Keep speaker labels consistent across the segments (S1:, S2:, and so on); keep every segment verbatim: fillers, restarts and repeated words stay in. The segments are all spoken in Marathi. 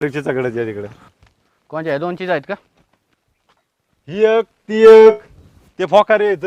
S1: सगळं तिकडे
S2: कोणच्या दोन चीज आहेत का?
S1: ही एक ती एक ते फोकारे येत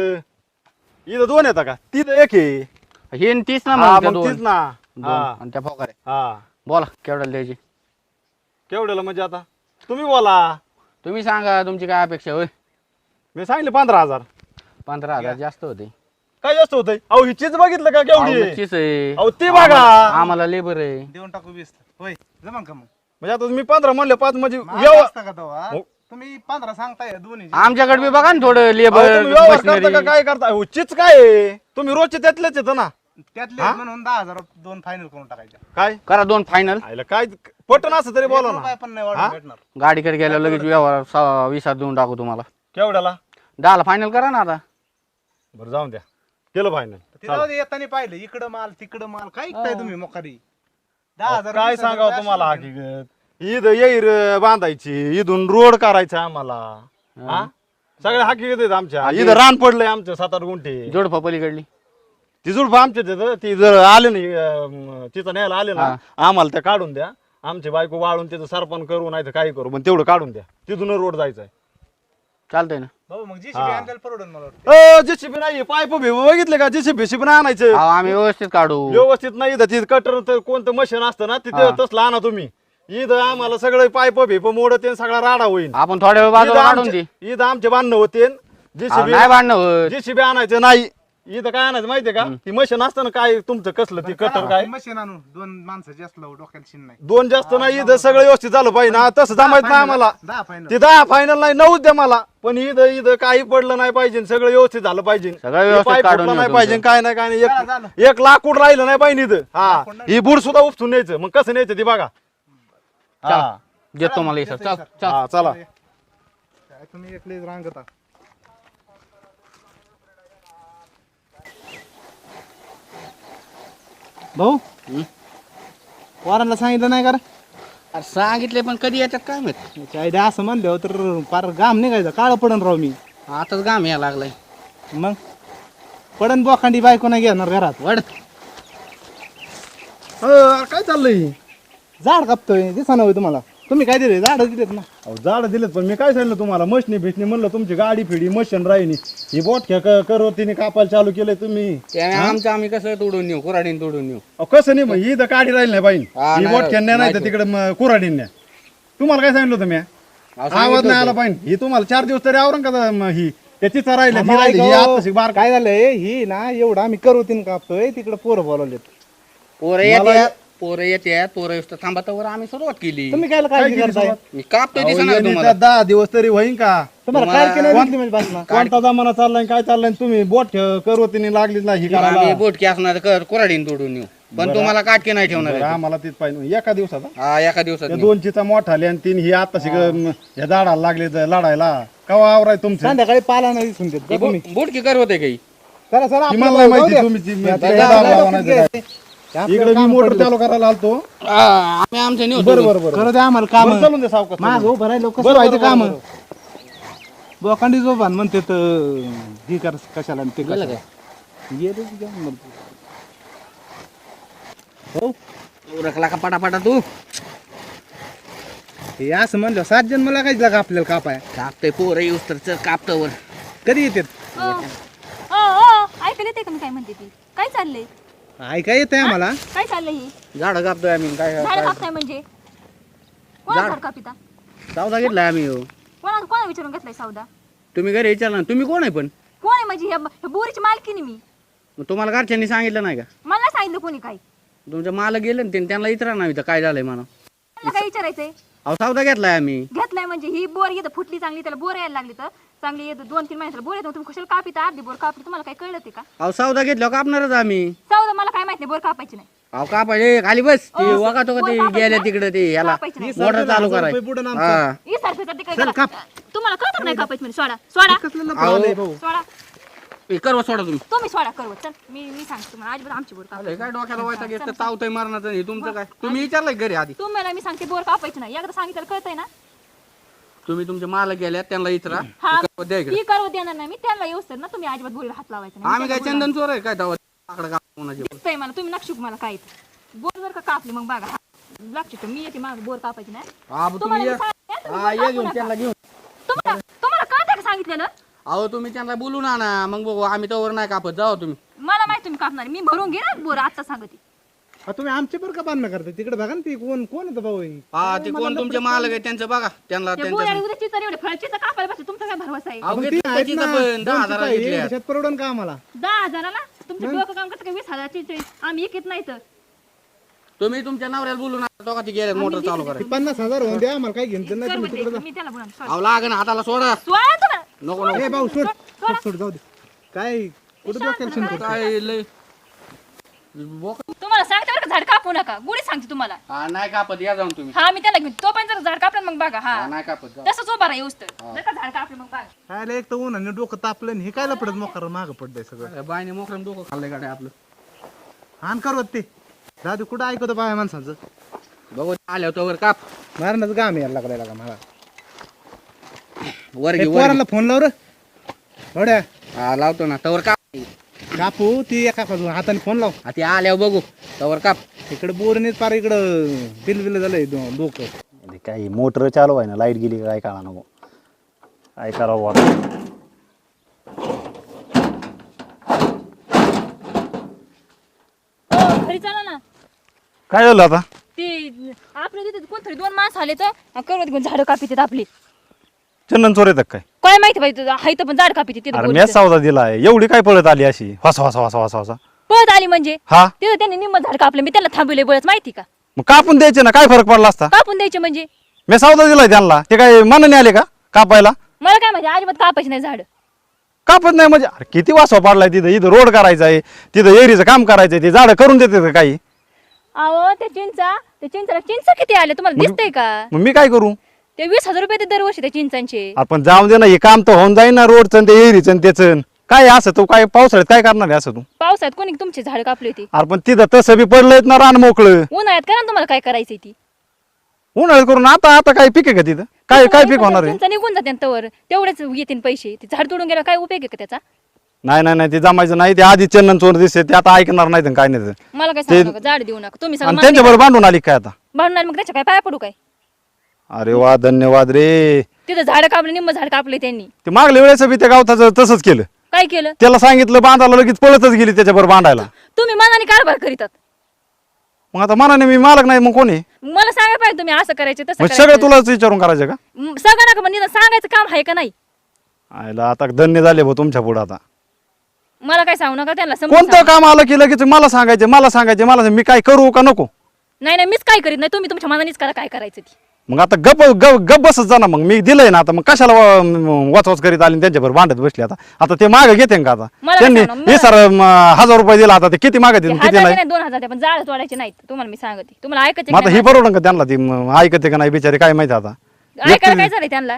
S1: इथं दोन येतात का? तिथं एक आहे
S2: हे न तीस ना
S1: हा,
S2: मग त्या
S1: मग
S2: दोन
S1: तीच ना
S2: दोन.
S1: हा
S2: आणि त्या फोकारे
S1: हा
S2: बोला केवढ्याला द्यायची
S1: केवढ्याला म्हणजे आता तुम्ही बोला.
S2: तुम्ही सांगा तुमची काय अपेक्षा होय.
S1: मी सांगितले पंधरा हजार.
S2: पंधरा हजार जास्त होते.
S1: काय जास्त होतंय? अहो ही चीज बघितलं का केवढी आहे?
S2: चीज आहे
S1: अहो ते बघा
S2: आम्हाला- आम्हाला लेबर आहे.
S3: देऊन टाकू वीस होय जमा का मग
S1: म्हणजे आता तुम्ही पंधरा म्हणले पाच म्हणजे
S3: महाग
S1: व्यवहार
S3: असतं का तेव्हा?
S1: हो.
S3: तुम्ही पंधरा सांगताय दोन्ही
S2: आमच्याकडे बी बघा ना थोडं
S1: अहो,
S2: लेबर
S1: तुम्ही व्यवहार करता का काय करता? अहो, चीज काय आहे? तुम्ही रोजचे त्यातलेच येतं ना
S3: त्यातले
S1: हा?
S3: म्हणून दहा हजार दोन फायनल करून टाकायचे
S1: काय
S2: करा दोन फायनल.
S1: आयला काय पटन असं तरी बोला
S3: एक
S1: ना.
S3: रुपया पण नाही
S1: हा?
S3: वाढून भेटणार
S2: गाडीकडे गेल्यावर लगेच व्यवहार सहा- वीसात देऊन टाकू तुम्हाला.
S1: केवढ्याला?
S2: दहाला फायनल करा ना आता.
S1: बरं जाऊन द्या केलं फायनल.
S3: तिथं येताना पाहिलं इकडं माल तिकडं माल काय काय तुम्ही मोकारी दहा हजार
S1: काय
S3: वीस हजार
S1: सांगावं
S3: रुपये
S1: तुम्हाला
S3: असं होते.
S1: हकीकत ईद येईर बांधायची इथून रोड करायचा आम्हाला हा सगळ्या हकीकत आहेत आमच्या इथं रान पडलंय आमचं सात आठ गुंठे
S2: जोडपा पलीकडली
S1: ती जुडपं आमच्याच आहेत. ती जर आले नाही अं, तिथं न्यायला आले ना आम्हाला त्या काढून द्या. आमची बायको वाळून तिथं सरपण करू नाही तर काही करू पण तेवढं काढून द्या. तिथून रोड जायचंय.
S2: चालतंय ना.
S3: भाऊ मग जी
S1: हा.
S3: आणलेलं परवडून मला वाटतं
S1: अ जेसीबी नाही पाईप बघितले का जेसीबी शिबी नाही आणायचं
S2: अहो, आम्ही व्यवस्थित काढू.
S1: व्यवस्थित नाही तर तिथं कटर तर कोणतं मशीन असतं ना तिथं तसलं आणा तुम्ही. इथं आम्हाला सगळं पाईप भेप मोडत सगळा राडा होईल.
S2: आपण थोड्या वेळ बाजूला काढून दे.
S1: इथं आमचे बांधणं होते
S2: अहो,
S1: जेसीबी
S2: नाही भांडणं होत.
S1: जेसीबी आणायचं नाही. इथं काय आणायचं माहितीये का? ती मशीन असतं ना काय तुमचं कसलं ती कटर काय
S3: मशीन आणून दोन माणसं जास्त लावू डोक्याला शिन नाही
S1: दोन जास्त नाही इथं सगळं व्यवस्थित झालं पाहिजे ना तसं जमायचं नाही आम्हाला.
S3: दहा फायनल
S1: ते दहा फायनल नाही नऊच द्या मला पण इथं इथं काही पडलं नाही पाहिजे सगळं व्यवस्थित झालं पाहिजे.
S2: सगळं व्यवस्थित
S1: पाईप
S2: काढून
S1: फुटलं
S2: येऊ
S1: नाही
S2: तुमचं.
S1: पाहिजे काय नाही काय नाही
S3: झालं,
S1: एक
S3: झालं.
S1: एक लाकूड राहिलं नाही पाहिजे इथं हा
S3: लाकूड नाही.
S1: ही बुड सुद्धा उपसून न्यायचं मग कसं न्यायचं ती बघा.
S2: चला.
S1: हा
S2: देतो मला इथं. चल चल.
S1: हा, चला
S3: काय तुम्ही एकले रांगता भाऊ
S2: हं?
S3: वारांना सांगितलं नाही का रे?
S2: अरे सांगितले पण कधी येतात काय माहित.
S3: त्याची आयडिया असं म्हणलं तर फार गाम निघायचं काळ पडन राव मी
S2: आताच गाम यायला लागलाय.
S3: मग पडन बोखांडी बायको नाही घेणार घरात
S2: वड
S1: काय चाललंय?
S3: झाड कापतोय दिसा होय तुम्हाला तुम्ही काय दिले झाड दिलेत ना
S1: अहो झाड दिलेत पण मी काय सांगितलं तुम्हाला मशनी बिशनी म्हणलं तुमची गाडी फिडी मशीन राहिली ही बोटख्या करवतीने कापायला चालू केलंय तुम्ही.
S2: त्याने आमचं आम्ही कसं तोडून नेऊ कुराडीन तोडून नेऊ.
S1: अहो, कसं नाही मग ही तर गाडी राहिली नाही पाहिजे
S2: हा,
S1: ही
S2: नाही
S1: बोटख्या नाही तर
S2: नाही
S1: तिकडे कुराडीन्या. तुम्हाला काय सांगितलं होतं मी
S2: अहो,
S1: आवाज
S2: सांगितलं
S1: नाही आला
S2: होतं.
S1: पाहिजे ही तुम्हाला चार दिवस तरी आवरण का म ही त्याचीच राहिली
S3: थांबा,
S1: ही राहिली ही
S3: ऐका हो.
S1: आत्ताशी बार
S3: काय झालंय ही ना एवढं आम्ही करोतीन कापतोय तिकडे पोरं बोलवलेत
S2: पोरं
S1: मला-
S2: येतात पोरं येतात पोरं येतात थांबातावर आम्ही सुरुवात केली.
S3: तुम्ही काय काळजी
S1: केली
S3: करताय
S1: सुरुवात?
S2: मी कापतोय
S1: अहो,
S2: दिसणार
S1: यांनी
S2: तुम्हाला.
S1: तर दहा दिवस तरी होईन का?
S3: तुम्हाला
S2: तुम्हाला-
S3: काय केलं दिसली म्हणजे बातम्या
S1: कोणता जमाना चाललाय काय चाललाय तुम्ही बोट करवतीने लागली ना ही करायला
S2: आम्ही बोटकी असणार कर कुराडीन तोडून नेऊ पण तुम्हाला काटके नाही ठेवणार
S1: बरं,
S2: आहे.
S1: आम्हाला तीच पाहिजे एका दिवसात हा?
S2: हा एका दिवसात
S1: त्या
S2: नेऊ.
S1: दोन चिचा मोठा आली आणि तीन ही आता ह्या झाडाला लागले तर लढायला कवा आवराय तुमचं
S3: संध्याकाळी पाला नाही दिसून देत
S2: ती
S3: का तुम्ही
S2: बो- बोटकी कर होते काही.
S3: चला सर
S1: ती मला नाही माहिती तुम्ही ती- ती- ती दार लावा नाही तर काय. इकडे मी मोटर चालू करायला आलतो.
S2: हा, आम्ही आमचं नेऊ
S1: बरं बरं बरं
S3: करू द्या आम्हाला काम
S1: बरं, चालून दे सावकाश
S3: माग उभं राहिलो कसं
S1: बरं,
S3: व्हायचं
S1: बरं,
S3: काम
S1: बरं,
S3: बोकांडी जोबान म्हणते तर ही कर कशाला आणि ते
S2: गेलं
S3: कशाला गेलं की जाऊन म्हणतो. हो
S2: रखला का पटापटा तू
S3: हे असं म्हणलं सात जण मला काय लागा आपल्याला कापाय
S2: कापतोय पोरं येऊस तर चल कापतावर.
S3: कधी येतात
S4: ओ ओ ऐकायला येते का मी काय म्हणते ती काय चाललंय
S3: ऐका येते आम्हाला
S4: काय चाललंय ही
S2: झाड कापतोय आम्ही काय
S4: झाड कापताय म्हणजे कोणा झाड कापिता
S2: सावधा घेतलाय आम्ही हो.
S4: कोणा कोणा विचारून घेतलाय सौदा
S2: तुम्ही घरी विचारला ना तुम्ही कोण आहे पण
S4: कोण आहे म्हणजे ह्या ह्या बोरीची मालकीनी मी
S2: मग तुम्हाला घरच्यांनी सांगितलं नाही का?
S4: मला नाही सांगितलं कोणी काय
S2: तुमच्या माल गेलं ना ते त्यांना विचारा ना इथं काय झालंय म्हणा.
S4: मला काय विचारायचंय
S2: अहो सावधा घेतलाय आम्ही.
S4: घेतलाय म्हणजे ही बोर येतं फुटली चांगली त्याला बोर यायला लागली तर चांगली येतं दोन तीन महिन्याला बोर येतो तुम्ही कशाला कापिता अर्धी बोर कापली तुम्हाला काय कळलं ते का
S2: अहो सावधा घेतल्यावर कापणारच आम्ही.
S4: सौदा मला काय माहिती नाही बोर कापायची नाही
S2: अहो कापायचे खाली बस ते
S4: अहो,
S2: वगा तो का ते
S4: वर कापायचं
S2: गेल्या
S4: ना?
S2: तिकडे ते याला
S4: कापायचं नाही.
S2: मोटर चालू
S3: हजार
S2: कराय.
S3: रुपये पुढं आमचं.
S2: हा
S4: ही सारखं ते काय
S3: चल,
S4: करा.
S3: काप.
S4: तुम्हाला कळतं नाही कापायचं म्हणजे सोडा सोडा
S3: कसलं लफडं
S2: अहो.
S3: आलंय भाऊ
S4: सोडा
S2: हे करवा सोडा तुम्ही.
S4: तुम्ही सोडा करवत चल मी मी सांगते तुम्हाला अजिबात आमची बोर कापायची
S2: अरे काय डोक्याला वायता घेत तावतय मारणार हे तुमचं काय तुम्ही विचारलंय घरी आधी.
S4: तुम्हाला मी सांगते बोर कापायची नाही एकदा सांगितलं कळतंय ना
S2: तुम्ही तुमचे माल गेल्या त्यांना विचारा
S4: हा
S2: करवा द्या इकडे.
S4: ही करवत देणार नाही मी त्यांना येऊस तर ना तुम्ही अजिबात बोरीला हात लावायचा नाही
S2: आम्ही काय चंदन चोर आहे काय दावा आकडे काप कोणाचे.
S4: दिसतंय मला तुम्ही नक्षुक मला काय बोर जर का कापली मग बघा लागते मी येते माग बोर कापायची नाही
S2: हा मग
S4: तुम्हाला
S2: तुम्ही
S4: मी
S2: ये.
S4: सांगितलं,
S2: हा
S4: तुम्ही
S2: ये घेऊन
S4: कापू
S2: त्यांना
S4: नका.
S2: घेऊन
S4: तुम्हाला तुम्हाला कळतं का सांगितलेलं
S2: अहो तुम्ही त्यांना बोलू ना ना मग बघू आम्ही तोवर नाही कापत जाऊ तुम्ही
S4: मला माहिती तुम्ही कापणार मी भरून घे ना बोर आता सांगते
S3: हा, तुम्ही आमच्या बरं का बांधणं करता तिकडे बघा ना ती कोण कोण होतं भाऊ हे?
S2: हा ते कोण तुमचे मालक आहे त्यांचं बघा त्यांना
S4: त्या बोर
S2: त्यांच्या
S4: उद्या चिचर एवढे फळचीचं कापायला बसते तुमचा काय भरवसा आहे
S2: अहो
S3: मग ती
S2: घेतलं
S3: आहेत
S2: त्याची
S3: ना,
S2: पण दहा
S3: दोन
S2: हजाराला
S3: चिपा,
S2: घेतल्या
S3: एक दिवसात परवडन का आम्हाला
S4: दहा हजाराला तुमचं डोकं काम करतं का वीस हजाराची आम्ही एक येत नाही तर
S2: तुम्ही तुमच्या नवऱ्याला बोलू ना दोघांची गेले मोटर चालू
S3: ती
S2: करायची
S3: पन्नास हजार होऊन द्या आम्हाला काय घेणं नाही
S4: कर
S3: तुम्ही
S4: म्हणते,
S3: तिकडे
S4: मी त्याला बोला
S2: अहो लागेल हाताला सोडा
S4: सोळा तुम्हाला
S2: नको नको
S3: ए भाऊ सोड सोड, सोड जाऊ दे काय कुठं डोक्याला शिंक करतो?
S2: काय लय बोक-
S4: तुम्हाला सांगते बरं का झाड कापू नका गुढी सांगते तुम्हाला
S2: हा नाही कापत या जाऊन तुम्ही
S4: हा मी त्याला घेऊन तो पण जर झाड कापलं मग बघा हा
S2: हा नाही कापत जा.
S4: तसंच उभा राहा येऊस तर जर का झाड कापलं मग बघा
S3: काय लय एक तर ऊन आणि डोकं तापलं आणि हे काय पडत मोकार मागं पडलंय सगळं
S2: अरे बाईने मोकरम डोकं खाल्लंय गाड्या आपलं
S3: हान करवत ते दादू कुठं ऐकतो बाय माणसाचं
S2: बघू आल्यावर तोवर काप
S3: मारण्याचं काम यायला लागलाय लागा मला
S2: वर
S3: ए,
S2: घे वर घे.
S3: पोरांना फोन लाव रे थोड्या
S2: हा लावतो ना तवर काप
S3: कापू ती एका बाजूला हाताने फोन लाव
S2: हा ते आल्यावर बघू तवर काप
S3: इकडे बोरने पार इकडं बिल बिल झालंय डो- डोकं
S1: अरे काय मोटर चालू आहे ना लाईट गेली का काय कळा नको काय करावं आता
S4: हो, घरी चला ना
S1: काय झालं आता
S4: ते आपल्या तिथे कोणतरी दोन माणसं आले तर करवत घेऊन झाडं कापितात आपली
S1: चंदन चोर येतात काय
S4: काय माहिती पाहिजे हाय तर पण झाड कापिते तिथं
S1: अरे
S4: बोरीचं.
S1: मी सावधा दिलाय एवढी काय पळत आली अशी वासा वासा वासा वासा वासा
S4: पळत आली म्हणजे
S1: हा
S4: तिथं त्यांनी निम्म झाड कापलं मी त्याला थांबवले बळच माहिती का
S1: मग कापून द्यायचे ना काय फरक पडला असता
S4: कापून द्यायचे म्हणजे
S1: मी सावधा दिलाय त्यांना ते काय मनाने आले का कापायला
S4: मला काय माहिती अजिबात कापायचे नाही झाड
S1: कापत नाही म्हणजे अरे किती वासवा पडलाय तिथं इथं रोड करायचा आहे तिथं एरीचं काम करायचंय ते झाडं करून देते का काही
S4: अहो ते चिंचा ते चिंचाला चिंच किती आले तुम्हाला दिसतंय का
S1: मग मी काय करू
S4: ते वीस हजार रुपये ते दरवर्षी त्या चिंचांचे
S1: आपण जाऊन दे ना हे काम तर होऊन जाईल ना रोडचं ते एरीचं आणि त्याचं काय असं तू काय पावसाळ्यात काय करणार आहे असं तू
S4: पावसाळ्यात कोणी तुमची झाड कापली होती
S1: अरे पण तिथं तसं बी पडलंय ना रान मोकळं
S4: उन्हाळ्यात करा ना तुम्हाला काय करायचंय ती
S1: उन्हाळ्यात करून आता आता काय पीक आहे का तिथं काय काय पीक होणार आहे
S4: चिंचा निघून जाते तवर तेवढेच येतील पैसे ते झाड तोडून गेला काय उपयोग आहे का त्याचा
S1: नाही नाही नाही ते जमायचं नाही ते आधी चंदन चोर दिसते ते आता ऐकणार नाही तर काय नाही ते.
S4: मला काय सांगू नका झाड देऊ नका तुम्ही
S1: आणि
S4: सगळं
S1: त्यांच्याबरोबर बांधून आली काय आता
S4: भांडणार मग त्याच्या काय पाया पडू काय
S1: अरे वा धन्यवाद रे
S4: तिथं झाड कापले निम्म झाड कापले त्यांनी
S1: ते मागल्या वेळेस बी त्या गावताचं तसंच केलं
S4: काय केलं
S1: त्याला सांगितलं बांधायला लगेच पळतच गेली त्याच्याबरोबर बांधायला
S4: तुम्ही मनाने कारभार करीतात
S1: मग आता मनाने मी मालक नाही मग कोणी
S4: मला सांगा पाहिजे तुम्ही असं करायचं तसं
S1: मग सगळं
S4: करायचं.
S1: तुलाच विचारून करायचं का
S4: म, सगळं नका पण निदान सांगायचं काम आहे का नाही
S1: आयला आता धन्य झाले भाऊ तुमच्या पुढे आता
S4: मला काय सांगू नका त्यांना समजून
S1: कोणतं
S4: सांगा.
S1: काम आलं की लगेच मला सांगायचे मला सांगायचे मला सांग- मी काय करू का नको
S4: नाही नाही मीच काय करीत नाही तुम्ही तुमच्या मनानेच करा काय करायचं ती
S1: मग आता गप गप गप बसत जा ना मग मी दिलंय ना आता मग कशाला वाचवाच करीत आली त्यांच्याबरोबर भांडत बसले आता आता ते मागे घेते का आता
S4: मला
S1: त्यांनी
S4: काय सांगणार?
S1: हे सर म, हजार रुपये दिला आता ते किती मागे
S4: ते
S1: किती
S4: हजार
S1: नाही
S4: नाही दोन हजार द्या, पण जाळ तोडायचे नाहीत तुम्हाला मी सांगते तुम्हाला ऐकायचे
S1: मग आता ही बरोबर का त्यांना ती म, ऐकते का नाही बिचारी काय माहिती आता
S4: ऐकायला काय झालंय त्यांना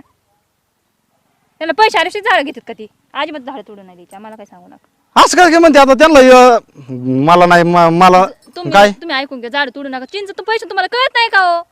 S4: त्यांना पैसे आल्याशी झाड घेतात का ती अजिबात झाड तोडून नाही द्यायची मला काय सांगू नका
S1: असं काय म्हणते आता त्यांना अ, मला नाही म- मला
S4: तुम्ही
S1: काय
S4: तुम्ही ऐकून घ्या झाड तोडू नका चिंच तर पैसे तुम्हाला कळत नाही का हो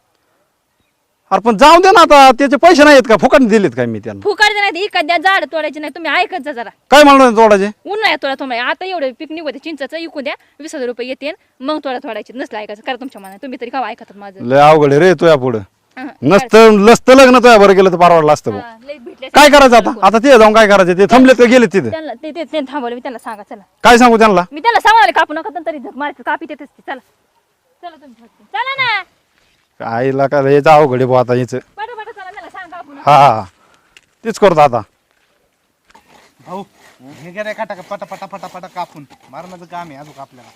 S1: अरे पण जाऊ दे ना आता त्याचे पैसे नाहीत का फुकट दिलेत काय मी त्यांना
S4: फुकायचे नाही इकत द्या झाड तोडायचे नाही तुम्ही ऐकत जा जरा
S1: काय म्हणणार तोडाचे
S4: उन्हाळ्यात तोडा तुम्ही आता एवढं पिक निघते चिंचाचं इकून द्या वीस हजार रुपये येते मग तोडा तोडायचे नसलं ऐकायचं करा तुमच्या मनात तुम्ही तरी का ऐकतात माझं
S1: लय अवघड आहे रे तुया पुढं
S4: हं,
S1: नसतं नसतं लग्न तुया बरं गेलं तर परवडलं असतं भाऊ.
S4: हा, लय भेटले
S1: काय करायचं आता आता ते जाऊन काय करायचं ते थांबलेत का गेले तिथे
S4: त्यांना ते ते- ते थांबवलं मी त्यांना सांगा चला
S1: काय सांगू त्यांना
S4: मी त्यांना सांगणार कापू नका तरी झक मारत कापी देतेच ती. चला चला तुम्ही फक्त. चला ना
S1: आईला काय याचं अवघड आहे भाऊ आता याचं
S4: पटा पटा चला त्याला सांगा कापू नका.
S1: हा हा हा. तेच करतो आता
S3: भाऊ हे गेले काटा पटा पटा पटा पटा कापून मारण्याचं काम आहे अजून आपल्याला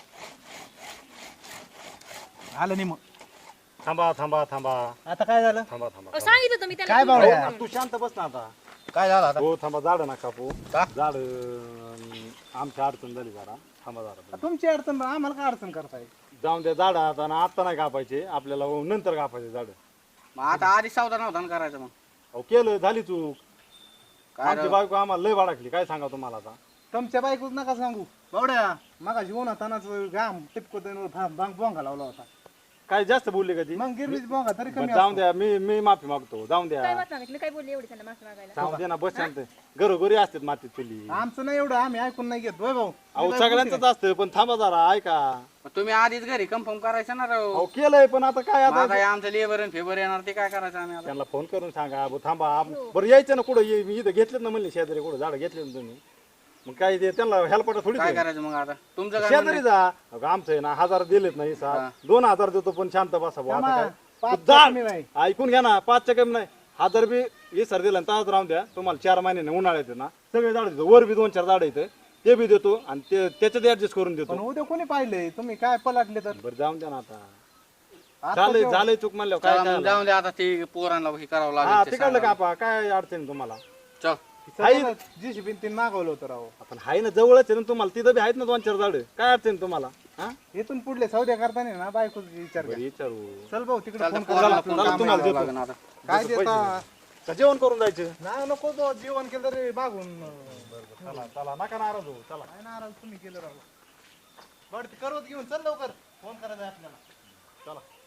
S3: आलं नाही मग
S1: थांबा थांबा थांबा
S3: आता काय झालं
S1: थांबा थांबा
S4: अहो, सांगितलं तुम्ही
S3: काय
S4: त्यांना
S3: बावळ्या?
S1: तू शांत बस ना आता
S3: काय झालं आता
S1: हो थांबा झाड ना कापू
S3: का?
S1: झाड आमच्या अडचण झाली जरा थांबा झाड
S3: तुमची अडचण बा, आम्हाला काय अडचण करताय
S1: जाऊन त्या झाड आता ना आता नाही कापायचे आपल्याला नंतर कापायचे झाड
S2: मग आता आधी सावधान नव्हता ना करायचं मग
S1: अहो केलं झाली चूक
S2: काय
S1: आमची
S2: राव?
S1: बायको आम्हाला लय बाळाकली काय सांगा तुम्हाला आता
S3: तुमच्या बायकोच नका सांगू बावड्या मगा जीवन तानाच घाम टिपको बांग बोंगा लावला होता
S1: काय जास्त बोलले का ती
S3: मग गिरवीच बघा तरी
S1: बरं,
S3: कमी
S1: जाऊन द्या मी मी माफी मागतो जाऊन
S4: काय
S1: द्या
S4: माफ मागितलं काय बोलले एवढी त्यांना माफी मागायला
S1: जाऊन दे ना बस शांत घरोघरी असतात मातीत चुली
S3: आमचं नाही एवढं आम्ही ऐकून नाही घेत होय भाऊ
S1: अहो सगळ्यांचंच असतं पण थांबा जरा ऐका
S2: तुम्ही आधीच घरी कन्फर्म करायचं ना राव
S1: अहो केलंय पण आता काय आता
S2: आता हे आमचं लेबर आणि फेबर येणार ते काय करायचं आम्ही आता
S1: त्यांना फोन करून सांगा अहो, थांबा आप- बरं यायचं ना कुठं ये- मी इथं घेतलेत ना म्हणले शेजारी कुठं झाड घेतले ना तुम्ही मग काय ते त्यांना हेल्पटा थोडी
S2: काय करायचं मग आता तुमचं काय
S1: शेजारी जा अगं, आमचं आहे ना हजार दिलेत नाही
S2: हा.
S1: सर दोन हजार देतो पण शांत बसा भाऊ, आता
S3: थांबा,
S1: काय
S3: पाच
S1: जा.
S3: कमी नाही.
S1: ऐकून घ्या ना पाचच्या कमी नाही हजार बी हे सर दिला ताज राहून द्या तुम्हाला चार महिन्याने उन्हाळ्यात आहे ना सगळे झाड देतो वर बी दोन चार झाड येतं ते बी देतो आणि ते त्याच्यात ऍडजस्ट करून
S3: पण
S1: देतो
S3: उद्या कोणी पाहिलंय तुम्ही काय पलटले तर
S1: बरं जाऊन द्या ना आता
S3: आता
S1: झालंय
S3: जेव्हा-
S1: झालंय चूक म्हणल्यावर काय
S2: चला
S1: काय
S2: मग जाऊन दे आता ते पोरांना हे करावं
S1: हा
S2: लागेल ते
S1: तिकडलं का
S2: सांगा.
S1: आपा काय अडचण तुम्हाला
S2: चल
S3: सगळ्यांना जी सी तीन मागवलं होतं राव
S1: आपण हाय ना जवळच आहे ना तुम्हाला तिथं बी आहेत ना दोन चार झाड काय अडचण तुम्हाला हा
S3: इथून पुढले सौद्या करताना ना बायको विचार
S1: बरं
S3: कर
S1: विचारू
S3: चल भाऊ तिकडे
S2: चालतं
S3: फोन कर
S2: पोरांना
S1: चला,
S2: फोन
S1: चला,
S2: कामाला
S1: तुम्हाला
S2: जावं
S1: देतो.
S2: लागेल आता
S3: काय
S1: जसं पैसे
S3: देता
S1: का जेवण करून जायचं
S3: नाही नको तो जेवण केलं तरी मागून
S1: चला चला नका नाराज हो चला
S3: काय नाराज तुम्ही केलं राव बरं ते करवत घेऊन चल लवकर फोन करायचा आपल्याला
S1: चला